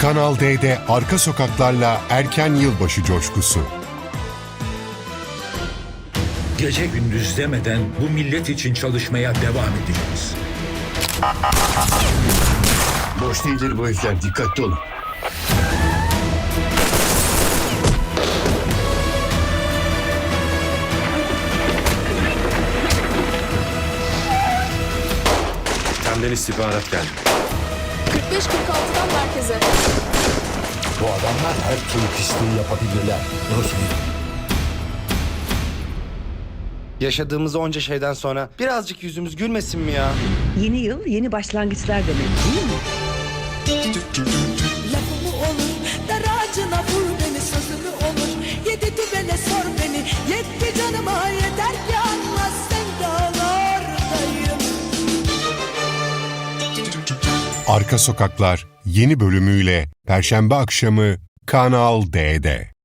Kanal D'de arka sokaklarla erken yılbaşı coşkusu. Gece gündüz demeden bu millet için çalışmaya devam edeceğiz. Boş değildir bu herifler, dikkatli olun. Senden istihbarat geldi. 45-46'dan merkeze. Bu adamlar her türlü pisliği yapabilirler. Yaşadığımız onca şeyden sonra birazcık yüzümüz gülmesin mi ya? Yeni yıl, yeni başlangıçlar demek değil mi? Lafımı olur, daracına vur beni, sözümü olur. Yedi düvele sor beni, yetti canıma yeter ki anla sevdalardayım. Arka Sokaklar yeni bölümüyle Perşembe akşamı Kanal D'de.